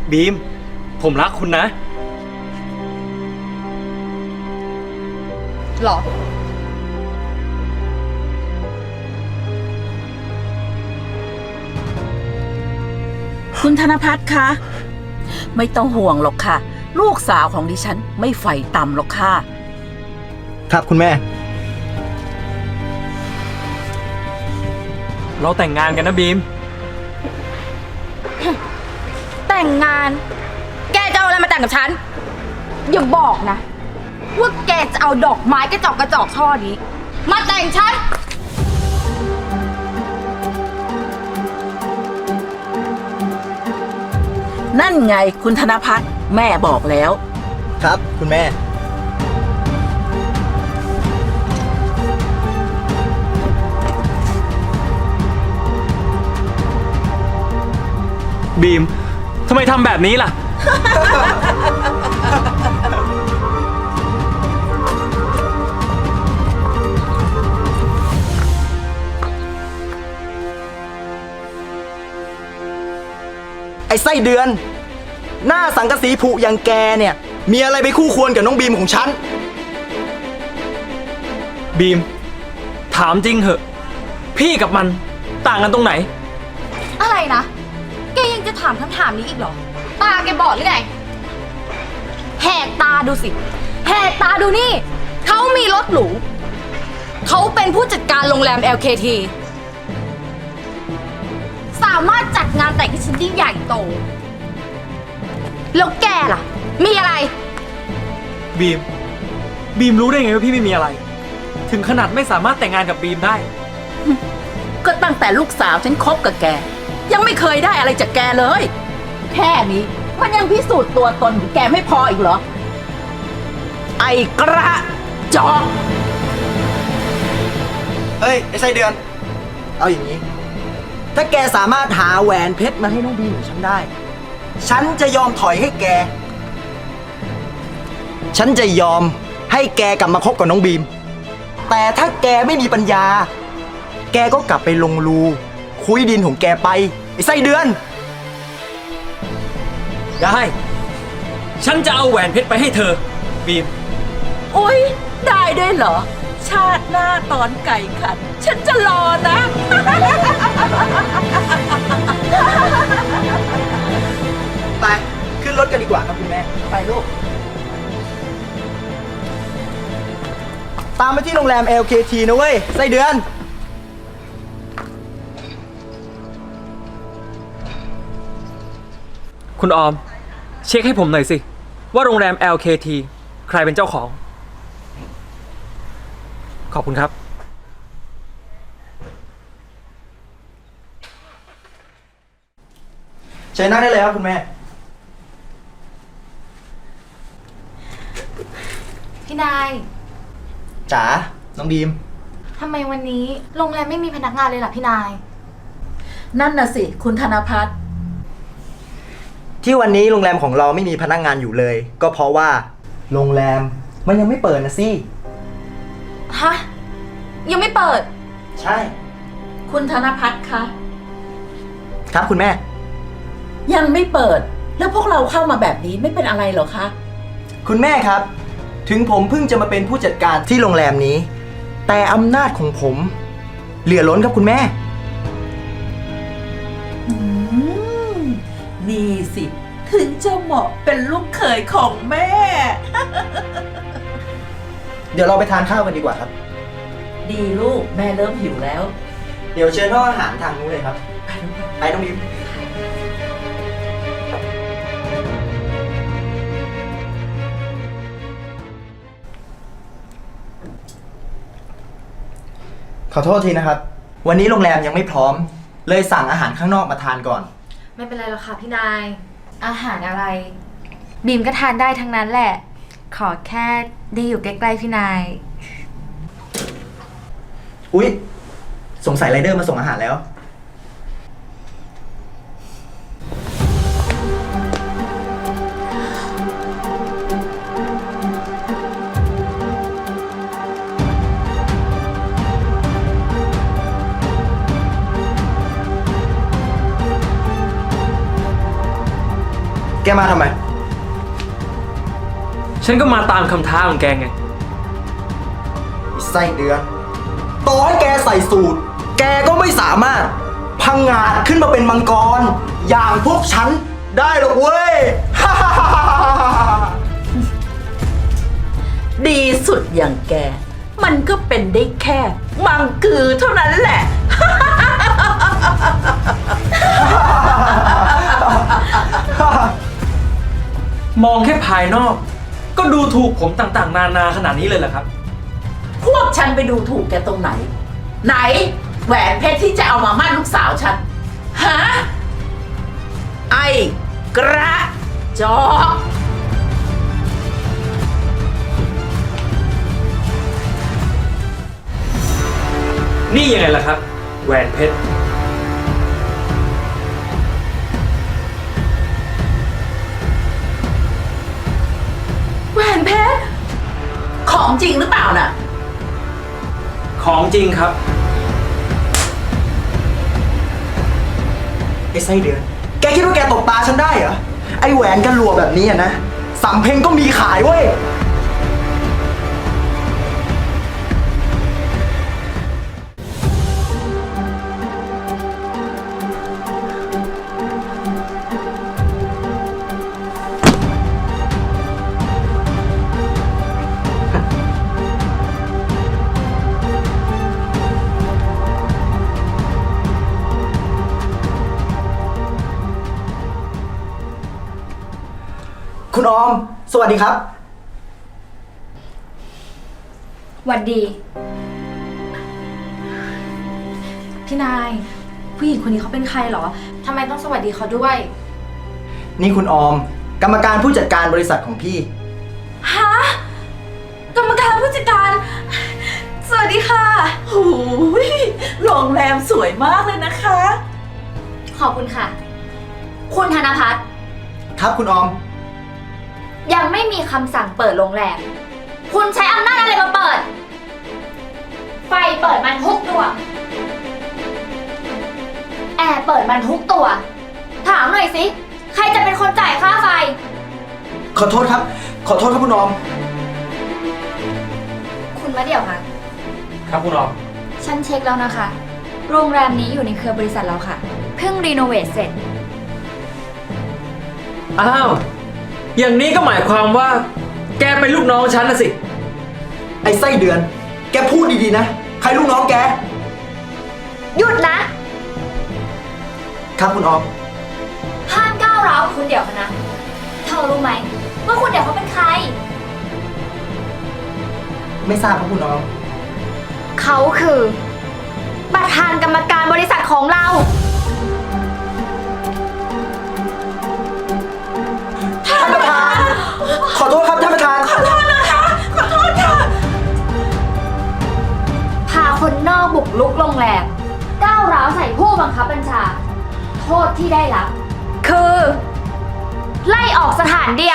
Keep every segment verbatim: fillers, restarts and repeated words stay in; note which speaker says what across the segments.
Speaker 1: บีมผมรักคุณนะ
Speaker 2: หรอ
Speaker 3: คุณธนภัทรคะไม่ต้องห่วงหรอกค่ะลูกสาวของดิฉันไม่ใฝ่ต่ำหรอกค่ะ
Speaker 4: ครับคุณแม่
Speaker 1: เราแต่งงานกันนะบีม
Speaker 2: แต่งงาน แกจะเอาอะไรมาแต่งกับฉัน อย่าบอกนะ ว่าแกจะเอาดอกไม้กระจอกกระจอกช่อนี้ มาแต่งฉัน
Speaker 3: นั่นไงคุณธนภัทรแม่บอกแล้ว
Speaker 4: ครับคุณแม่
Speaker 1: บีมทำไมทำแบบนี้ล่ะ
Speaker 4: ไอ้ไส้เดือน หน้าสังกะสีผุอย่างแกเนี่ย มีอะไรไปคู่ควรกับน้องบีมของฉัน
Speaker 1: บีมถามจริงเหอะพี่กับมันต่างกันตรงไหน
Speaker 2: อะไรนะ แกยังจะถามคำถามนี้อีกเหรอ ตาแกบอดหรือไง แหกตาดูสิ แหกตาดูนี่ เขามีรถหรู เขาเป็นผู้จัดการโรงแรม แอล เค ที สามารถจัดงานแต่งให้ฉันได้ใหญ่โต แล้วแกล่ะ มีอะไร
Speaker 1: บีมบีมรู้ได้ไงว่าพี่ไม่มีอะไร ถึงขนาดไม่สามารถแต่งงานกับบีมได้
Speaker 3: ก็ตั้งแต่ลูกสาวฉันคบกับแก ยังไม่เคยได้อะไรจากแกเลย แค่นี้มันยังพิสูจน์ตัวตนของแกไม่พออีกเหรอ ไอ้กระจอก
Speaker 4: เฮ้ย ไอ้ไส้เดือน เอาอย่างนี้ ถ้าแกสามารถหาแหวนเพชรมาให้น้องบีมของฉันได้ ฉันจะยอมถอยให้แก ฉันจะยอมให้แกกลับมาคบกับน้องบีม แต่ถ้าแกไม่มีปัญญา แกก็กลับไปลงรูคุยดินของแกไป ไอ้ไส้เดือน
Speaker 1: ได้ ฉันจะเอาแหวนเพชรไปให้เธอบีม
Speaker 3: อุ๊ย ได้ด้วยเหรอ ชาติหน้าตอนไก่ขัน ฉันจะรอนะ
Speaker 4: ไป ขึ้นรถกันดีกว่าครับคุณแม่
Speaker 3: ไปลูก
Speaker 4: ตามไปที่โรงแรม แอล เค ที นะเว้ย ไส้เดือน
Speaker 1: คุณออม เช็คให้ผมหน่อยสิ ว่าโรงแรม แอล เค ที ใครเป็นเจ้าของ ขอบคุณครับ
Speaker 4: เชิญนั่งได้เลยครับคุณแม่
Speaker 2: พี่นาย
Speaker 4: จ๋า น้องบีม
Speaker 2: ทำไมวันนี้โรงแรมไม่มีพนักงานเลยล่ะพี่นาย
Speaker 3: นั่นน่ะสิ คุณธนภัทร
Speaker 4: ที่วันนี้โรงแรมของเราไม่มีพนักงานอยู่เลย ก็เพราะว่าโรงแรมมันยังไม่เปิดนะสิ
Speaker 2: ฮะ ยังไม่เปิด
Speaker 4: ใช่
Speaker 3: คุณธนภัทรคะ
Speaker 4: ครับคุณแม่
Speaker 3: ยังไม่เปิด แล้วพวกเราเข้ามาแบบนี้ไม่เป็นอะไรเหรอคะ
Speaker 4: คุณแม่ครับ ถึงผมเพิ่งจะมาเป็นผู้จัดการที่โรงแรมนี้ แต่อำนาจของผม เหลือล้นครับคุณแม่
Speaker 3: อืม นี่สิ ถึงจะเหมาะเป็นลูกเขยของแม่
Speaker 4: เดี๋ยวเราไปทานข้าวกันดีกว่าครับ
Speaker 3: ดีลูกแม่เริ่มหิวแล้ว
Speaker 4: เดี๋ยวเชิญห้องอาหารทางนู้นเลยครับ ไปน้องบีม ขอโทษทีนะครับ วันนี้โรงแรมยังไม่พร้อม เลยสั่งอาหารข้างนอกมาทานก่อน
Speaker 2: ไม่เป็นไรหรอกค่ะพี่นาย อาหารอะไร บีมก็ทานได้ทั้งนั้นแหละ ขอแค่ได้อยู่ใกล้ๆพี่นาย
Speaker 4: อุ๊ย สงสัยไรเดอร์มาส่งอาหารแล้วกมาทำไม
Speaker 1: ฉันก็มาตามคำท้าของแกไง
Speaker 4: ไส้เดือนต่อให้แกใส่สูตร แกก็ไม่สามารถพังงาดขึ้นมาเป็นมังกร อย่างพวกฉันได้หรอกเว้ย
Speaker 3: ดีสุดอย่างแก มันก็เป็นได้แค่มังกือเท่านั้นแหละ
Speaker 1: มองแค่ภายนอก ก็ดูถูกผมต่างๆ นานาขนาดนี้เลยเหรอครับ
Speaker 3: พวกฉันไปดูถูกแกตรงไหน ไหน แหวนเพชรที่จะเอามามั่นลูกสาวฉัน ฮะ ไอ้กระจอก
Speaker 1: นี่ยังไงล่ะครับ แหวนเพชร
Speaker 3: แหวนเพชร ของจริงหรือเปล่าน่ะ
Speaker 1: ของจริงครับ
Speaker 4: ไอ้ไส้เดือน แกคิดว่าแกตบตาฉันได้เหรอ ไอ้แหวนกันหลวแบบนี้อะนะสำเพ็งก็มีขายเว้ย คุณออม สวัสดีครับ
Speaker 2: หวัดดี พี่นาย ผู้หญิงคนนี้เขาเป็นใครเหรอ ทำไมต้องสวัสดีเขาด้วย
Speaker 4: นี่คุณออม กรรมการผู้จัดการบริษัทของพี่
Speaker 2: ฮะ กรรมการผู้จัดการ สวัสดีค่ะ
Speaker 3: โอ้ยโรงแรมสวยมากเลยนะคะ
Speaker 2: ขอบคุณค่ะ คุณธนพัฒน์
Speaker 4: ครับคุณออม
Speaker 2: ยังไม่มีคำสั่งเปิดโรงแรม คุณใช้อำนาจอะไรมาเปิด ไฟเปิดมันทุกตัว แอร์เปิดมันทุกตัว ถามหน่อยสิ ใครจะเป็นคนจ่ายค่าไฟ
Speaker 4: ขอโทษครับ ขอโทษครับคุณออม
Speaker 2: คุณมาเดี๋ยวค่ะ
Speaker 1: ครับคุณออม
Speaker 2: ฉันเช็คแล้วนะคะ โรงแรมนี้อยู่ในเครือบริษัทเราค่ะ เพิ่งรีโนเวทเสร็จ
Speaker 1: อ้าว อย่างนี้ก็หมายความว่า แกเป็นลูกน้องฉันนะสิ
Speaker 4: ไอ้ไส้เดือน แกพูดดีๆนะ ใครลูกน้องแก
Speaker 2: หยุดนะ
Speaker 4: ครับคุณออม
Speaker 2: ห้ามก้าวร้าวคุณเดี๋ยวนะ เธอรู้ไหมว่าคุณเดี๋ยวเขาเป็นใคร
Speaker 4: ไม่ทราบครับคุณออม
Speaker 2: เขาคือ ประธานกรรมการบริษัทของเรา
Speaker 4: ท่านประธาน ขอโทษครับท่านประธาน
Speaker 3: ขอโทษนะคะ ขอโทษค่ะ
Speaker 2: พาคนนอกบุกลุกโรงแรมก้าวร้าวใส่ผู้บังคับบัญชา โทษที่ได้รับ คือ ไล่ออกสถานเดียว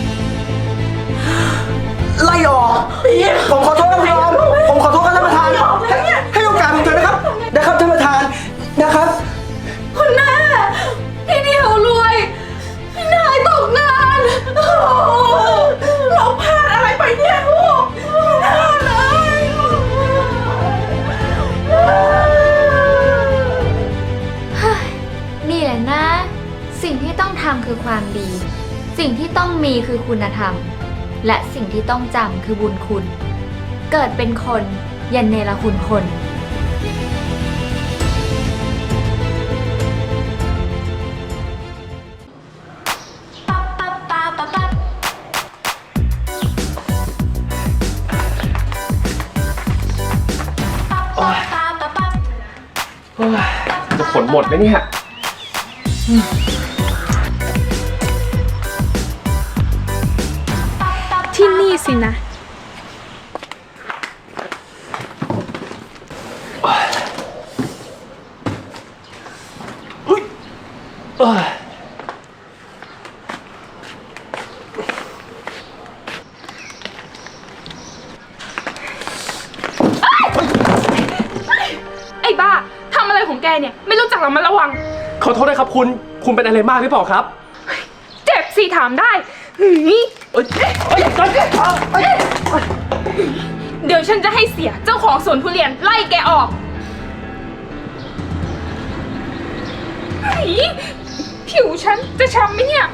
Speaker 4: ไล่ออก ผมขอโทษครับคุณออม ผมขอโทษครับท่านประธาน ให้ให้โอกาสผมเถอะนะครับ นะครับท่านประธาน นะครับ
Speaker 2: คุณแม่พี่เดียวรวย พี่นายตกงาน
Speaker 3: โอ้เราพลาดอะไรไปเนี่ยลูกพลาดเลย
Speaker 2: เฮ้ยนี่แหละนะ สิ่งที่ต้องทำคือความดี สิ่งที่ต้องมีคือคุณธรรม และสิ่งที่ต้องจำคือบุญคุณ เกิดเป็นคนอย่าเนรคุณคน
Speaker 5: จะผลหมดไหมเนี่ย
Speaker 6: ที่นี่สินะ ไอ้บ้า ทำอะไรของแกเนี่ย ไม่รู้จักระมัดระวัง
Speaker 5: ขอโทษนะครับคุณ คุณเป็นอะไรมากหรือเปล่าครับ
Speaker 6: เจ็บสสิถามได้หืย
Speaker 5: เอ้ยเอ้ยเอ้ยเอ้ย
Speaker 6: เดี๋ยวฉันจะให้เสียเจ้าของสวนทุเรียนไล่แกออกหืยผิวฉันจะช้ำไหมเนี่ย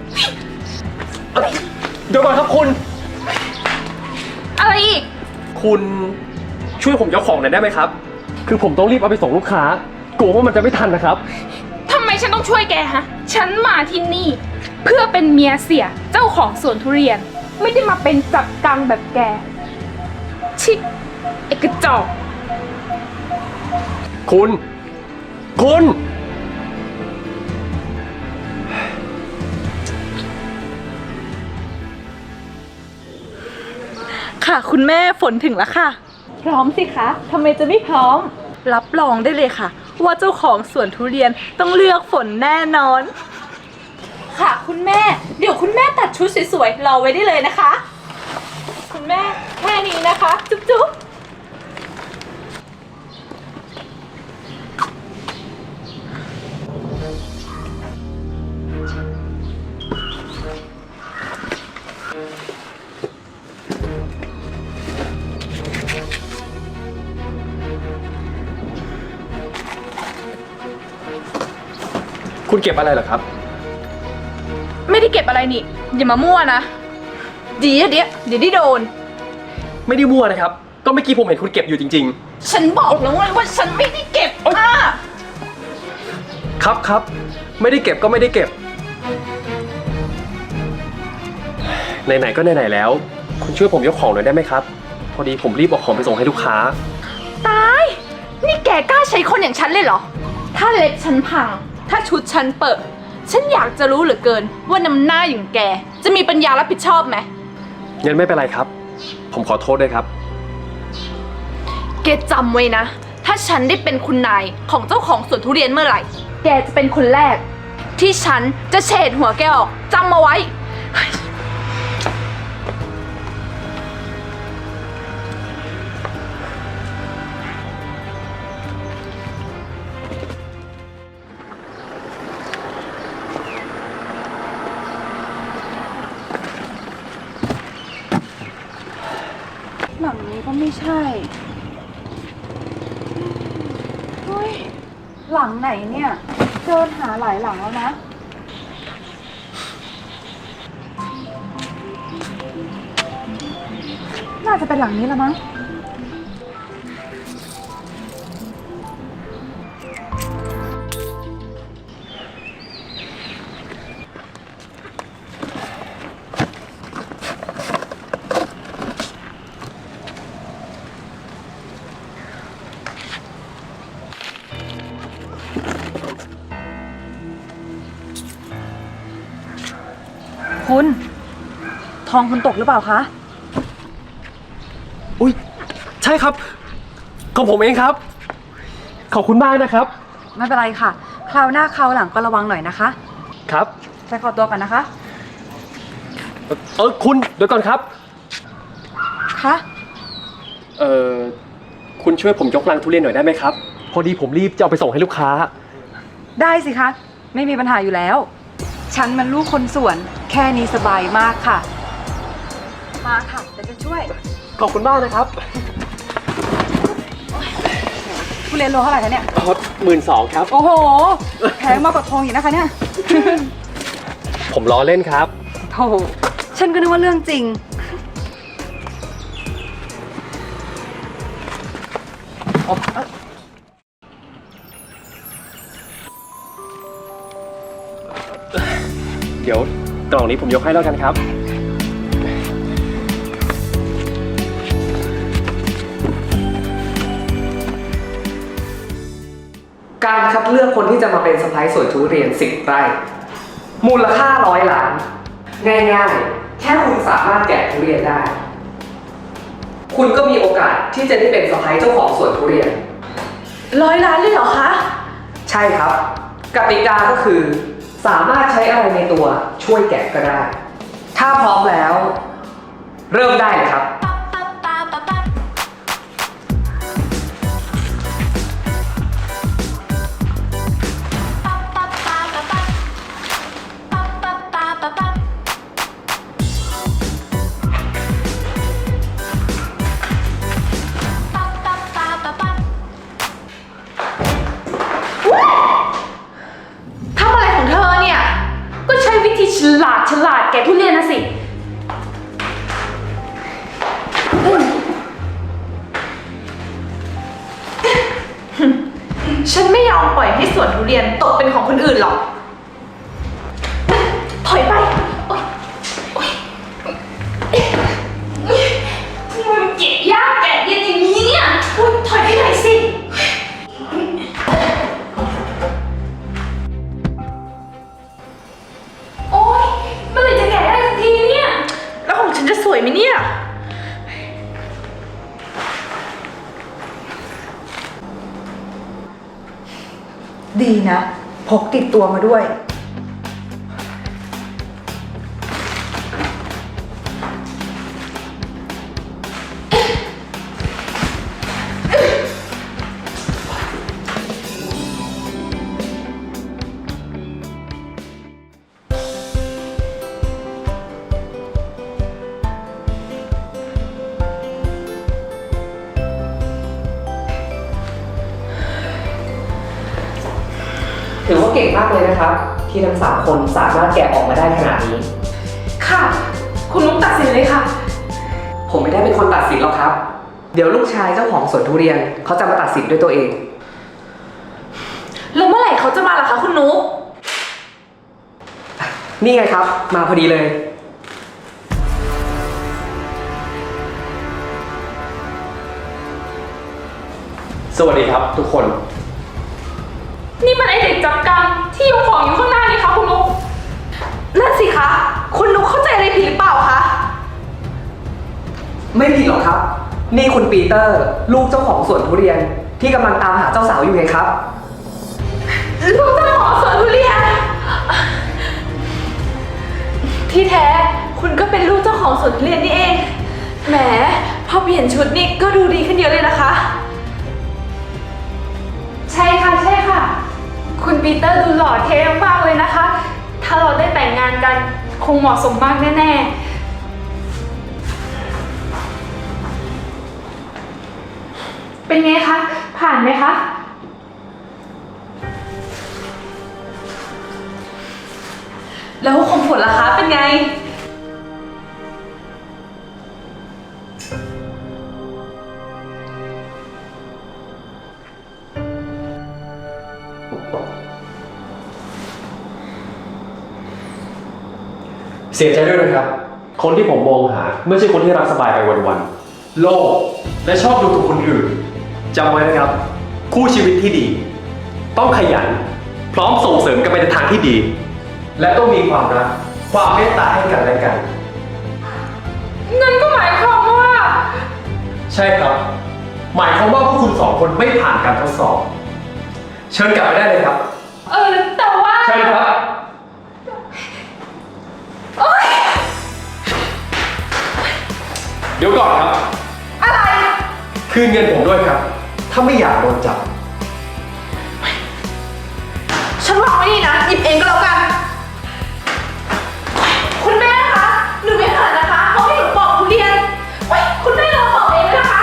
Speaker 5: เดี๋ยวก่อนครับคุณ
Speaker 6: อะไรอีก
Speaker 5: คุณช่วยผมยกของหน่อยได้ไหมครับ คือผมต้องรีบเอาไปส่งลูกค้ากลัวว่ามันจะไม่ทันนะครับ
Speaker 6: ทำไมฉันต้องช่วยแกฮะ ฉันมาที่นี่ เพื่อเป็นเมียเสียเจ้าของสวนทุเรียน ไม่ได้มาเป็นจับกังแบบแก ชิเอกระจอก
Speaker 5: คุณ คุณ
Speaker 3: ค่ะคุณแม่ฝนถึงแล้วค่ะ พร้อมสิคะทำไมจะไม่พร้อม รับรองได้เลยค่ะ ว่าเจ้าของสวนทุเรียนต้องเลือกฝนแน่นอน ค่ะคุณแม่ เดี๋ยวคุณแม่ตัดชุดสวยๆรอไว้ได้เลยนะคะ คุณแม่แค่นี้นะคะ จุ๊บจุ๊บ
Speaker 5: คุณเก็บอะไรเหรอครับ
Speaker 6: ไม่ได้เก็บอะไรนี่ อย่ามามั่วนะ
Speaker 3: เดี๋ยวเดี๋ยวเดี๋ยวได้โดน
Speaker 5: ไม่ได้มั่วนะครับ ก็เมื่อกี้ผมเห็นคุณเก็บอยู่จริง
Speaker 3: ฉันบอกแล้วไงว่าฉันไม่ได้เก็บอ่ะ
Speaker 5: ๆ ครับครับ ไม่ได้เก็บก็ไม่ได้เก็บ ไหนๆก็ไหนๆแล้ว คุณช่วยผมยกของหน่อยได้ไหมครับ พอดีผมรีบเอาของไปส่งให้ลูกค้า
Speaker 3: ตาย นี่แกกล้าใช้คนอย่างฉันเลยเหรอ ถ้าเล็บฉันพัง ถ้าชุดฉันเปิด ฉันอยากจะรู้เหลือเกินว่าน้ำหน้าอย่างแก จะมีปัญญารับผิดชอบไหม
Speaker 5: งั้นไม่เป็นไรครับ ผมขอโทษด้วยครับ
Speaker 3: แกจำไว้นะ ถ้าฉันได้เป็นคุณนายของเจ้าของสวนทุเรียนเมื่อไหร่ แกจะเป็นคนแรก ที่ฉันจะเฉดหัวแกออกจำมาไว้ หลังนี้ก็ไม่ใช่ เฮ้ย หลังไหนเนี่ย เดินหาหลายหลังแล้วนะ น่าจะเป็นหลังนี้แล้วมั้ง คุณ ทองคุณตกหรือเปล่าคะ
Speaker 5: อุ้ยใช่ครับของผมเองครับ ขอบคุณมากนะครับ
Speaker 7: ไม่เป็นไรค่ะ คราวหน้าคราวหลังก็ระวังหน่อยนะคะ
Speaker 5: ครับ
Speaker 7: ใช้ขอตัวกันนะคะ
Speaker 5: เอ่อเออคุณเดี๋ยวก่อนครับ
Speaker 7: คะ
Speaker 5: เออคุณช่วยผมยกลังทุเรียนหน่อยได้ไหมครับ พอดีผมรีบจะเอาไปส่งให้ลูกค้า
Speaker 7: ได้สิคะ ไม่มีปัญหาอยู่แล้ว ฉันมันลูกคนสวน แค่นี้สบายมากค่ะ มาค่ะเดี๋ยวจะช่วย
Speaker 5: ขอบคุณมากนะครับ
Speaker 7: ทุเรียนโลเท่าไหร่คะเนี่ย
Speaker 5: หมื่นสองครับ
Speaker 7: โอ้โห แพงมากกว่าทองอีกนะคะเนี่ย
Speaker 5: ผมล้อเล่นครับ
Speaker 7: โอ้โห ฉันก็นึกว่าเรื่องจริง
Speaker 5: เดี๋ยวกล่องนี้ผมยกให้แล้วกันครับ
Speaker 1: การคัดเลือกคนที่จะมาเป็นสะพ้ายสวนทุเรียนสิบไร่มูลค่าร้อยล้าน ง่ายๆ แค่คุณสามารถแกะทุเรียนได้ คุณก็มีโอกาสที่จะได้เป็นสะพ้ายเจ้าของสวนทุเรียน
Speaker 3: ร้อยล้านเลยเหรอคะ
Speaker 1: ใช่ครับ กติกาก็คือ สามารถใช้อะไรในตัวช่วยแกะก็ได้ ถ้าพร้อมแล้ว เริ่มได้เลยครับ
Speaker 2: Ba ba ba ba ba ba ba ba ba ba
Speaker 6: ลาดฉลาดแกทุเรียนนะสิฉันไม่ยอมปล่อยให้สวนทุเรียนตกเป็นของคนอื่นหรอก ถอยไปโอ๊ยโอ๊ยมันเก็บยากแกะเย็นอย่างนี้เนี่ยอุ๊ยถอยไปหน่อยสิ โอ๊ยเมื่อไหร่จะแกะได้สักทีเนี่ย แล้วของฉันจะสวยไหมเนี่ย
Speaker 7: ดีนะพกติดตัวมาด้วย
Speaker 1: ถือว่าเก่งมากเลยนะครับ ที่ทั้งสามคนสามารถแกะออกมาได้ขนาดนี้
Speaker 6: ค่ะ คุณนุ๊กตัดสินเลยค่ะ
Speaker 1: ผมไม่ได้เป็นคนตัดสินหรอกครับ เดี๋ยวลูกชายเจ้าของสวนทุเรียนเขาจะมาตัดสินด้วยตัวเอง
Speaker 6: แล้วเมื่อไหร่เขาจะมาล่ะคะคุณนุ๊ก
Speaker 1: นี่ไงครับ มาพอดีเลย
Speaker 5: สวัสดีครับทุกคน
Speaker 6: นี่มันไอเด็กจับกังที่ยกของอยู่ข้างหน้านี่คะคุณนุ๊กนั่นสิคะ คุณนุ๊กเข้าใจอะไรผิดหรือเปล่าคะ
Speaker 1: ไม่ผิดหรอกครับ นี่คุณปีเตอร์ ลูกเจ้าของสวนทุเรียนที่กำลังตามหาเจ้าสาวอยู่ไงครับ
Speaker 6: ลูกเจ้าของสวนทุเรียน ที่แท้คุณก็เป็นลูกเจ้าของสวนทุเรียนนี่เอง แหม พอเปลี่ยนชุดนี่ก็ดูดีขึ้นเยอะเลยนะคะ ใช่ค่ะใช่ค่ะ คุณปีเตอร์ดูหล่อเท่มากเลยนะคะ ถ้าเราได้แต่งงานกันคงเหมาะสมมากแน่ๆ เป็นไงคะ ผ่านไหมคะ แล้วของผลล่ะคะเป็นไง
Speaker 5: เสียใจด้วยนะครับ คนที่ผมมองหาไม่ใช่คนที่รักสบายไปวันๆโลภและชอบดูถูกคนอื่นจำไว้นะครับ คู่ชีวิตที่ดี ต้องขยัน พร้อมส่งเสริมกันไปในทางที่ดี และต้องมีความรัก ความเมตตาให้กันและกัน
Speaker 6: เงินก็หมายความว่า
Speaker 5: ใช่ครับ หมายความว่าพวกคุณสองคนไม่ผ่านการทดสอบ เชิญกลับไปได้เลยครับ
Speaker 6: เออแต่ว่า
Speaker 5: เชิญครับ เดี๋ยวก่อนครับ
Speaker 6: อะไร
Speaker 5: คืนเงินผมด้วยครับ ถ้าไม่อยากโดนจับ
Speaker 6: ฉันวางไว้นี่นะ หยิบเองก็แล้วกัน คุณแม่คะ หนูไม่เขินนะคะเขาให้หนูปอกทุเรียนเว้ยคุณแม่เราปอกเองเลยนะคะ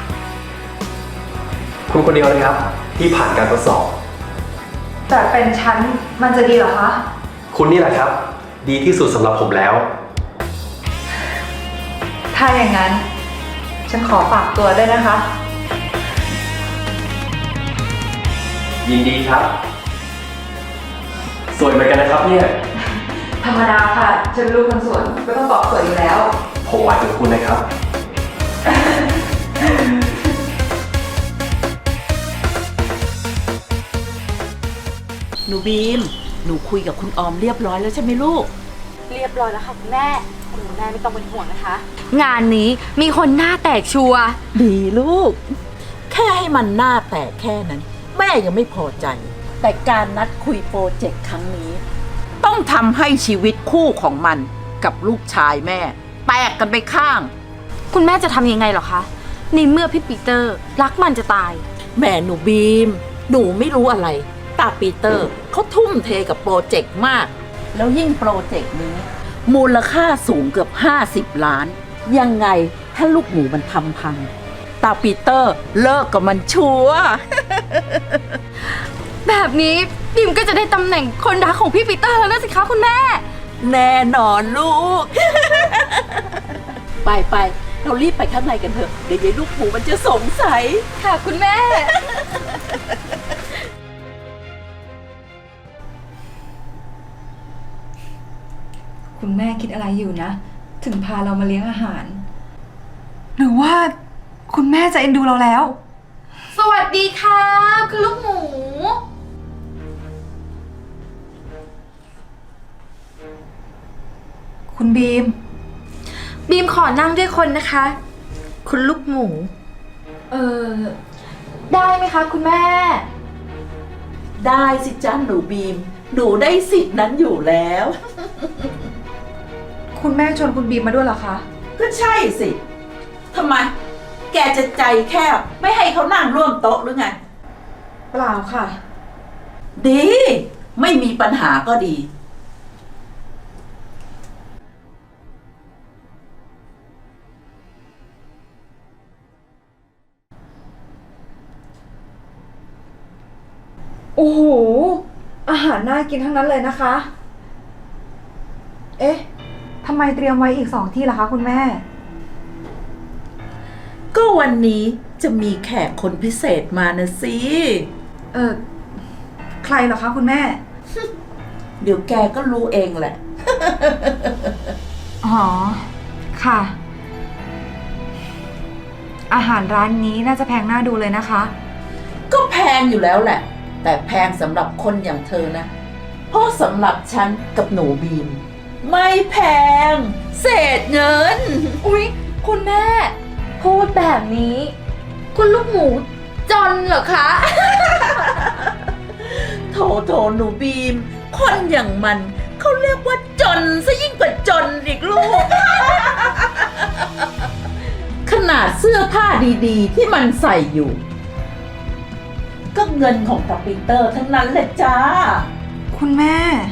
Speaker 5: คุณคนเดียวเลยครับ ที่ผ่านการทดสอบ
Speaker 7: แต่เป็นฉันมันจะดีเหรอคะ
Speaker 5: คุณนี่แหละครับ ดีที่สุดสำหรับผมแล้ว
Speaker 7: ถ้าอย่างนั้น ฉันขอฝากตัวด้วยนะคะ
Speaker 5: ยินดีครับ สวยเหมือนกันนะครับเนี่ย
Speaker 7: ธรรมดาค่ะ ฉันลูกคนสวนก็ต้องบอกสวยอยู่แล้ว
Speaker 5: ผมหมายถึงคุณนะครับ
Speaker 3: หนูบีม หนูคุยกับคุณออมเรียบร้อยแล้วใช่ไหมลูก
Speaker 2: เรียบร้อยแล้วค่ะคุณแม่ คุณแม่ไม่ต้องเป็นห่วงนะคะ งานนี้มีคนหน้าแตกชัวร์
Speaker 3: ดีลูก แค่ให้มันหน้าแตกแค่นั้น แม่ยังไม่พอใจ แต่การนัดคุยโปรเจกต์ครั้งนี้ ต้องทำให้ชีวิตคู่ของมันกับลูกชายแม่ แตกกันไปข้าง
Speaker 2: คุณแม่จะทำยังไงเหรอคะในเมื่อพี่ปีเตอร์รักมันจะตาย
Speaker 3: แม่หนูบีม หนูไม่รู้อะไร ตาปีเตอร์เขาทุ่มเทกับโปรเจกต์มาก แล้วยิ่งโปรเจกต์นี้ มูลค่าสูงเกือบห้าสิบล้าน ยังไงถ้าลูกหมูมันทำพัง ตาปีเตอร์เลิกกับมันชัวร์
Speaker 2: แบบนี้ดิมก็จะได้ตำแหน่งคนรักของพี่ปีเตอร์แล้วนะสิคะคุณแม่
Speaker 3: แน่นอนลูก ไปไปเรารีบไปข้างในกันเถอะ เดี๋ยวยายลูกหมูมันจะสงสัย
Speaker 2: ค่ะคุณแม่
Speaker 7: คุณแม่คิดอะไรอยู่นะ ถึงพาเรามาเลี้ยงอาหาร หรือว่าคุณแม่จะเอ็นดูเราแล้ว
Speaker 2: สวัสดีค่ะคุณลูกหมู
Speaker 7: คุณบีม
Speaker 2: บีมขอนั่งด้วยคนนะคะ คุณลูกหมู
Speaker 7: เออ
Speaker 2: ได้ไหมคะคุณแม่
Speaker 3: ได้สิจ้าหนูบีม หนูได้สิทธิ์นั้นอยู่แล้ว
Speaker 7: คุณแม่ชวนคุณบีมมาด้วยเหรอคะ
Speaker 3: ก็ใช่สิทำไม แกจะใจแคบไม่ให้เขานั่งร่วมโต๊ะหรือไง
Speaker 7: เปล่าค่ะ
Speaker 3: ดี ไม่มีปัญหาก็ดี
Speaker 7: โอ้โห อาหารน่ากินทั้งนั้นเลยนะคะ เอ๊ะ ทำไมเตรียมไว้อีกสองที่ล่ะคะคุณแม่
Speaker 3: ก็วันนี้จะมีแขกคนพิเศษมานะสิ
Speaker 7: เออ ใครเหรอคะคุณแม่
Speaker 3: เดี๋ยวแกก็รู้เองแหละ
Speaker 7: อ๋อ ค่ะ อาหารร้านนี้น่าจะแพงน่าดูเลยนะคะ
Speaker 3: ก็แพงอยู่แล้วแหละ แต่แพงสำหรับคนอย่างเธอนะ เพราะสำหรับฉันกับหนูบีม ไม่แพง เศษเงิน
Speaker 2: อุ๊ย คุณแม่ พูดแบบนี้ คุณลูกหมูจนเหรอคะ
Speaker 3: โถโถหนูบีม คนอย่างมันเขาเรียกว่าจนซะยิ่งกว่าจนอีกลูก ขนาดเสื้อผ้าดีๆ ที่มันใส่อยู่ ก็เงินของตาปีเตอร์ทั้งนั้นแหละจ้า
Speaker 7: คุณแม่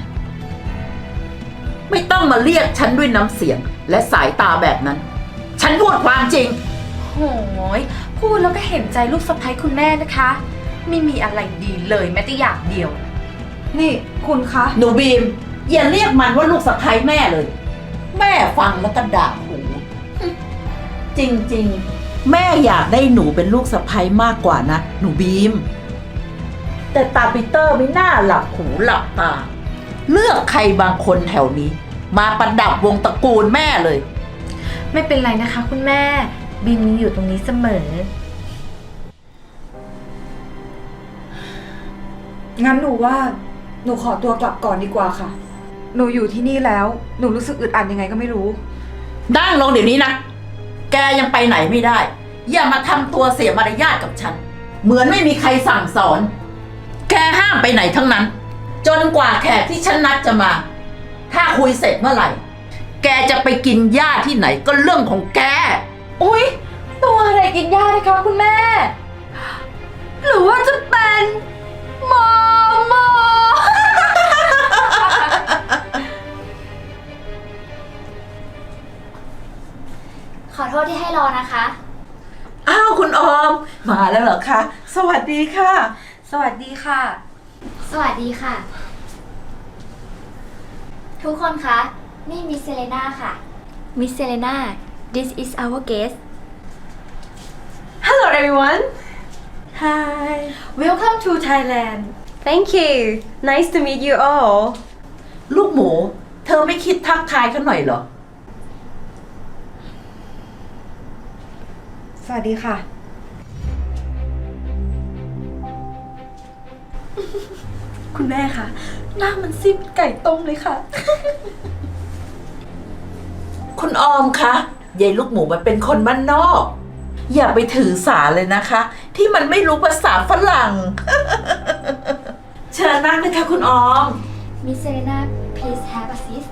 Speaker 3: ไม่ต้องมาเรียกฉันด้วยน้ำเสียงและสายตาแบบนั้น ฉันพูดความจริง
Speaker 2: โหยพูดแล้วก็เห็นใจลูกสะใภ้คุณแม่นะคะ ไม่มีอะไรดีเลยแม้แต่อย่างเดียว
Speaker 7: นี่คุณคะ
Speaker 3: หนูบีม อย่าเรียกมันว่าลูกสะใภ้แม่เลย แม่ฟังแล้วก็ด่าหู จริงๆ แม่อยากได้หนูเป็นลูกสะใภ้มากกว่านะ หนูบีม แต่ตาปีเตอร์ไม่น่าหลับหูหลับตา เลือกใครบางคนแถวนี้ มาประดับวงตระกูลแม่เลย
Speaker 2: ไม่เป็นไรนะคะคุณแม่ บีมยังอยู่ตรงนี้เสมอ
Speaker 7: งั้นหนูว่า หนูขอตัวกลับก่อนดีกว่าค่ะ หนูอยู่ที่นี่แล้ว หนูรู้สึกอึดอัดยังไงก็ไม่รู้
Speaker 3: นั่งลงเดี๋ยวนี้นะ แกยังไปไหนไม่ได้ อย่ามาทำตัวเสียมารยาทกับฉัน เหมือนไม่มีใครสั่งสอน แกห้ามไปไหนทั้งนั้น จนกว่าแขกที่ฉันนัดจะมา ถ้าคุยเสร็จเมื่อไหร่ แกจะไปกินหญ้าที่ไหนก็เรื่องของแก
Speaker 2: อุ๊ย ตัวอะไรกินยานะคะคุณแม่ หรือว่าจะเป็นหมอหมอ
Speaker 8: ขอโทษที่ให้รอนะคะ
Speaker 3: อ้าวคุณออม มาแล้วเหรอคะ สวัสดีค่ะ
Speaker 7: สวัสดีค่ะ
Speaker 8: สวัสดีค่ะ ทุกคนคะ นี่มิสเซเลนาค่ะ มิสเซเลนา this is our guest
Speaker 9: Hello everyone.
Speaker 2: Hi Welcome to Thailand
Speaker 9: Thank you. Nice to meet you all.
Speaker 3: ลูกหมู เธอไม่คิดทักทายเขาหน่อยเหรอ
Speaker 7: สวัสดีค่ะ
Speaker 2: คุณแม่คะหน้ามันซิบไก่ต้มเลยค่ะ
Speaker 3: คุณออมคะยายลูกหมูมันเป็นคนบ้านนอก อย่าไปถือสาเลยนะคะ ที่มันไม่รู้ภาษาฝรั่ง เชิญนั่งเลยค่ะคุณออม
Speaker 8: มิสเซเลนา please have a seat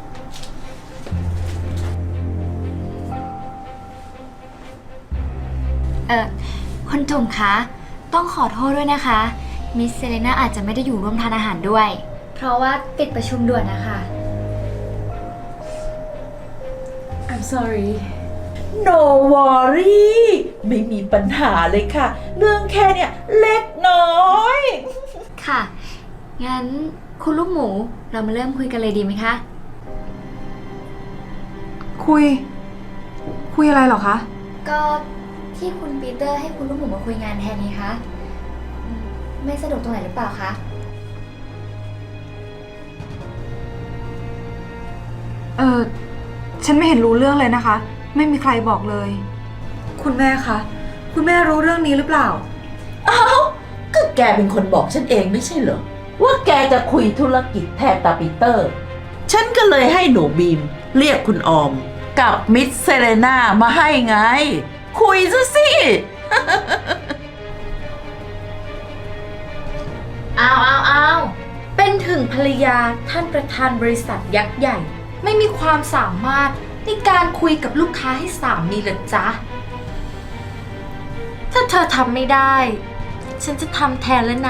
Speaker 8: เอ่อคุณจุ่มคะ ต้องขอโทษด้วยนะคะ มิสเซเลนาอาจจะไม่ได้อยู่ร่วมทานอาหารด้วย เพราะว่าติดประชุมด่วนนะคะ
Speaker 2: I'm sorry
Speaker 3: No worry ไม่มีปัญหาเลยค่ะ เรื่องแค่เนี่ยเล็กน้อย
Speaker 8: ค่ะ งั้นคุณลูกหมูเรามาเริ่มคุยกันเลยดีไหมคะ
Speaker 7: คุย คุยอะไรเหรอคะ
Speaker 8: ก็ที่คุณปีเตอร์ให้คุณลูกหมูมาคุยงานแทนนี้คะอืมไม่สะดวกตรงไหนหรือเปล่าคะ
Speaker 7: เออฉันไม่เห็นรู้เรื่องเลยนะคะ ไม่มีใครบอกเลย คุณแม่คะ คุณแม่รู้เรื่องนี้หรือเปล่า
Speaker 3: เอ้าก็แกเป็นคนบอกฉันเองไม่ใช่เหรอ ว่าแกจะคุยธุรกิจแทนตาปีเตอร์ ฉันก็เลยให้หนูบีม เรียกคุณออม กับมิสเซเลนามาให้ไง คุยซะสิ
Speaker 2: อ้าวอ้าวอ้าวเป็นถึงภรรยาท่านประธานบริษัทยักษ์ใหญ่ ไม่มีความสามารถในการคุยกับลูกค้าให้สามีเหรอจ๊ะ ถ้าเธอทำไม่ได้ ฉันจะทำแทนแล้วนะ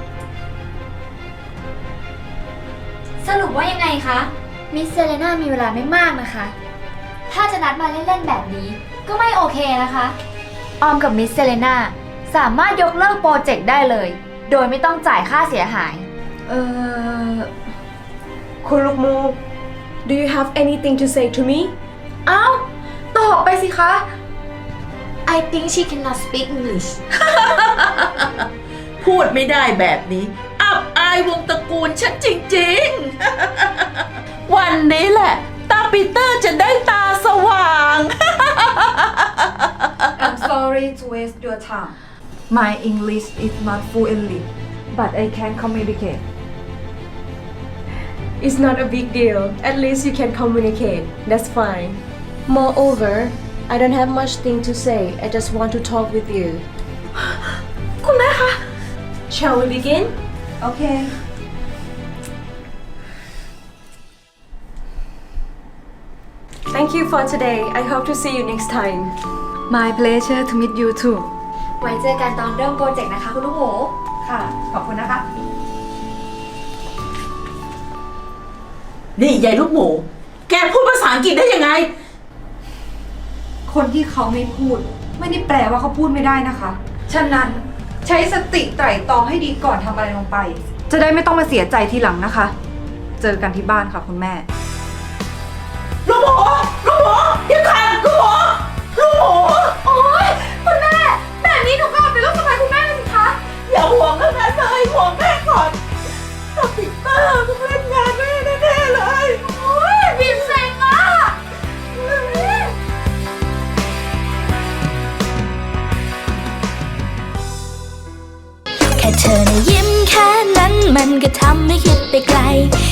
Speaker 8: สรุปว่ายังไงคะ มิสเซเลน่ามีเวลาไม่มากนะคะ ถ้าจะนัดมาเล่นๆแบบนี้ก็ไม่โอเคนะคะ ออมกับมิสเซเลน่าสามารถยกเลิกโปรเจกต์ได้เลย โดยไม่ต้องจ่ายค่าเสียหาย
Speaker 7: เออ
Speaker 9: คุณลูกหมู do you have anything to say to me
Speaker 2: อ้าวตอบไปสิคะ I think she cannot speak English
Speaker 3: พูดไม่ได้แบบนี้ อับอายวงตระกูลฉันจริงๆ วันนี้แหละ ตาปีเตอร์จะได้ตาสว่าง
Speaker 7: I'm sorry to waste your time My English is not fluently but I can communicate
Speaker 9: It's not a big deal. At least you can communicate. That's fine. Moreover, I don't have much thing to say. I just want to talk with you.
Speaker 2: คุณแม่คะ
Speaker 9: Shall we begin?
Speaker 7: Okay
Speaker 9: Thank you for today. I hope to see you next time.
Speaker 7: My pleasure to meet you too
Speaker 8: ไว้เจอกันตอนเริ่มโปรเจกต์นะคะคุณลูกหมู
Speaker 7: ค่ะ ขอบคุณนะคะ
Speaker 3: นี่ยายลูกหมู แกพูดภาษาอังกฤษได้ยังไง
Speaker 7: คนที่เขาไม่พูด ไม่ได้แปลว่าเขาพูดไม่ได้นะคะ ฉะนั้นใช้สติไตร่ตรองให้ดีก่อนทำอะไรลงไป จะได้ไม่ต้องมาเสียใจทีหลังนะคะ เจอกันที่บ้านค่ะคุณแม่
Speaker 3: ลูกหมู ลูกหมูเดี๋ยวก่อนลูกหมู ลูกหมู
Speaker 2: โอ๊ย คุณแม่ แบบนี้หนูก็เอาเป็นลูกสะใภ้คุณแม่เลยสิคะ
Speaker 3: อย่าห่วงขนาดนั้นเลยห่วงแม่ก่อนตาปีเตอร์ต้องเล่นงานแม่แน่ๆเลย
Speaker 2: โอ๊ยบีมเซ็งอ่ะ
Speaker 10: แค่เธอนะยิ้มแค่นั้นมันก็ทำให้คิดไปไกล